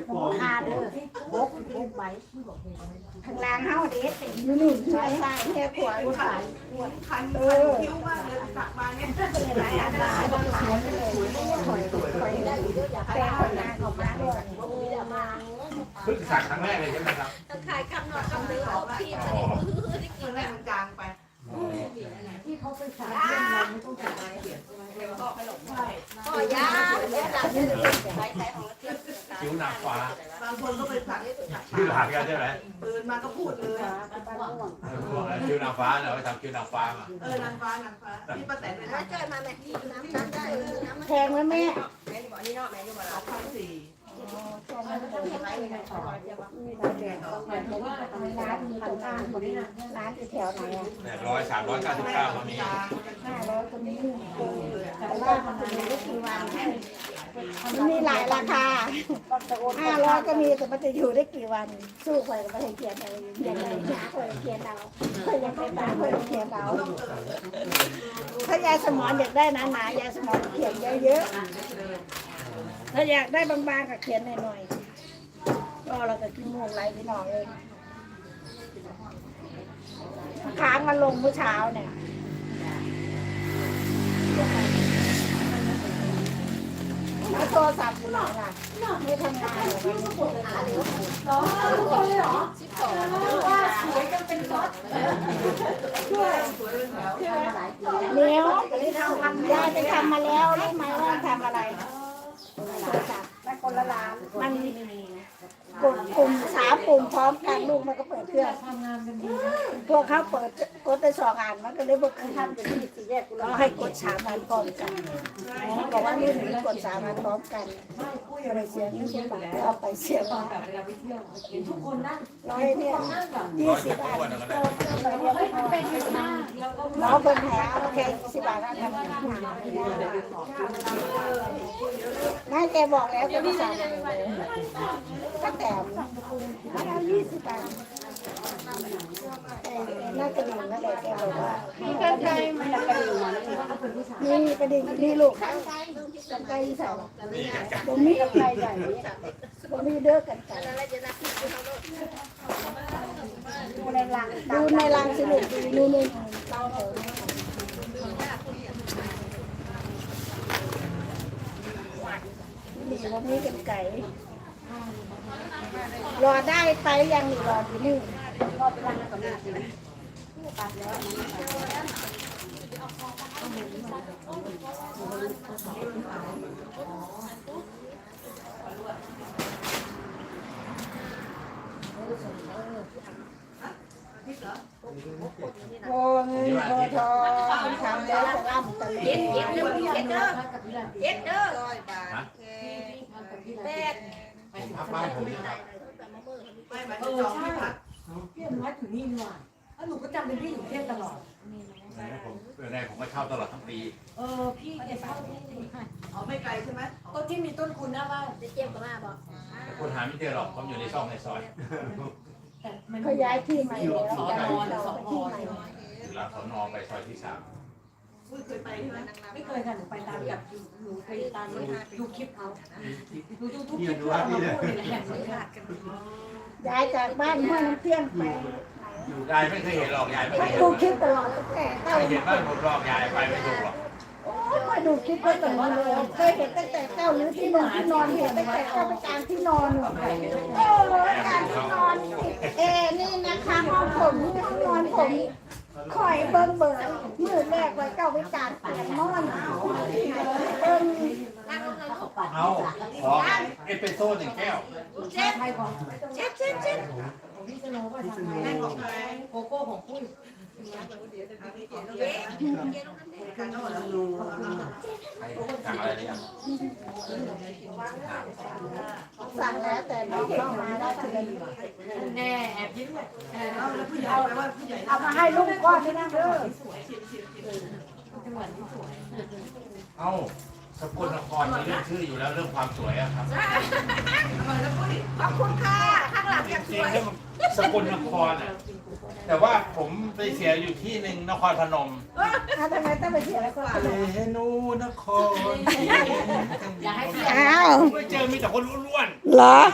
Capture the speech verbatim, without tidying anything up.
ขาดเลยบกบกใบข้างล่างเฮาเด็ดอยู่นี่ใช้ใช้แค่ขวดขายคันเออคิ้วมากเลยสักมาเนี่ยหลายอันหลายบางหลายเลยถอยถอยได้อยู่อยากแต่คนงานออกมาด้วยมาเพิ่งสักครั้งแรกเลยใช่ไหมครับขายคำหนอดคำนึงเอาพี่มาเนี่ยได้กินแล้วจางไปที่เขาไปสายเรื่องอะไรไม่ต้องจ่ายอะไรเดี๋ยวก็ไปหลบได้ก็ยาแล้วหลังจะใช้ใช้ของที่คิ้วนางฟ้าบางคนก็ไปสักชื่อหลานกันใช่ไหมตื่นมาก็พูดเลยคิ้วนางฟ้าเหรอไปทำคิ้วนางฟ้ามาเออนางฟ้านางฟ้าที่ป้าแตนไปถ้าทำจ่อยมาแม่น้ำน้ำได้น้ำแพงไหมแม่แม่บอกนี่เนาะแม่อยู่มาสแล้อวงพันสี่มันต้องมีไว้ในต่อร้านมีตรงกลางคนนี้นะร้านอยู่แถวไหนอ่ะแปดร้อยสามร้อยเก้าสิบเก้ามันมีห้าร้อยก็มีแต่ว่ามันจะมีไม่กี่วันมันมีหลายราคาห้าร้อยก็มีแต่มันจะอยู่ได้กี่วัน สู้ไปก็ไม่ให้เขียนเอาเขียนอะไรหาคนเขียนเอาเพื่อยังไปตามเพื่อเขียนเอาถ้ายายสมอนอยากได้หนาๆยายสมอนเขียนเยอะๆถ้าอยากได้บางๆก็เขียนหน่อยๆก็เราก็กินมูกไหลพี่น้องเองค้างมันลงเมื่อเช้าเนี่ยแล้วโทรศัพท์อยู่ไหนล่ะไม่ทำงานเหรอไม่ทำงานเหรอเหรอเลยเหรอสิบสองว่าสวยกันเป็นรถด้วยเนี้ยยายไปทำมาแล้วรู้ไหมว่าทำอะไรโทรศัพท์ได้คนละล้านมันกดปุ่มสามปุ่มพร้อมกันลูกมันก็เปิดเครื่องทำงานกันดีพวกเขาเปิดกดไปสองอันมันก็เลยบอกคือทำเป็นที่สี่แยกเราให้กดสามอันพร้อมกันบอกว่านี่หนูกดสามอันพร้อมกันก็เลยเสียเงินเสียบาทเอาไปเสียบาททุกคนนั่งร้อยเนี่ยยี่สิบบาทน้องเป็นแผลโอเคสิบบาทนะทำน่าแกบอกแล้วก็ไม่สั่งเลยก็แต่มาเอายี่สิบบาทน่ากระดิ่งนั่นแหละแกบอกว่ามีกระดิ่งมันกระดิ่งนี่กระดิ่งนี่ลูกกันไกลใส่ตรงนี้กับไกลใหญ่ตรงนี้เด้อกันไกลดูในรังดูในรังสิลูกดูนู่นเราเถอะนี่ตรงนี้กันไก่รอได้ไปยังรออยู่นี่รอไปรังกับแม่ตัดแล้วโอ้เงินโอทองทำแล้วจะร่ำจะเย็นเย็นเด้อเย็นเด้อเย็นเด้อร้อยบาทแปดผมพักบ้านผมไม่มาจะจองไม่พักพี่อนุวัฒน์ถึงนี่ดีกว่าแล้วหนูก็จำเป็นพี่อยู่เทพตลอดผมเป็นไงผมก็เช่าตลอดทั้งปีเออพี่จะเช่าที่อ๋อไม่ไกลใช่ไหมก็ที่มีต้นคุณนะว่าจะเจ็บกับมาบอกแต่คนหาไม่เจอหรอกผมอยู่ในซอกในซอยเขาย้ายที่ใหม่แล้วย้ายเราไปที่ใหม่อยู่หลังสนไปซอยที่สามเคยไปใช่ไหมไม่เคยค่ะหนูไปตามกับหนูไปตามดูคลิปเขาดูดูทุกคลิปเขาพูดในแหล่งสัมภาษณ์กันย้ายจากบ้านห้วยน้ำเที่ยงไปอยู่ได้ไม่เคยเห็นหรอกยายไม่เคไปยเห็นดูคลิปตลอดตั้งแต่เต้าไม่เห็นบ้านผมหรอกยายไปไม่ถูกหรอกโอ้ยดูคลิปก็ตลอดเลยเคยเห็นตั้งแต่เต้าหรือที่นอนที่นอนเห็นตั้งแต่เต้าไปกลางที่นอนโอ้ยกลางที่นอนเอนี่นะคะห้องผมนี่ห้องนอนผมคอยเบิ้งเบิ้งมือแรกไว้เก้าไปกลางเตียงนอนเบิ้งเอาขอเอสเปรสโซ่หนึ่งแก้วเจ็บเจ็บเจ็บเจ็บพี่สโนว์ว่าทำไงโกโก้ของปุ้ยสั่งอะไรเนี่ยสั่งแล้วแต่น้องเข้ามาได้ทีละแน่แอบยิ้มเลยเอาเอามาให้ลูกก้อนนี่นะเด้อเอ้าสกลนครมีเรื่องชื่ออยู่แล้วเรื่องความสวยอะครับขอบคุณค่ะข้างหลังยังจสริงวยๆแล้วสกลนครอะแต่ว่าผมไปเสียอยู่ที่หนึ่งนครพนมทำไมต้องไปเสียแล้วก็เฮนูนครอ้าวไม่เจอมีแต่คนล้วนๆเหรอ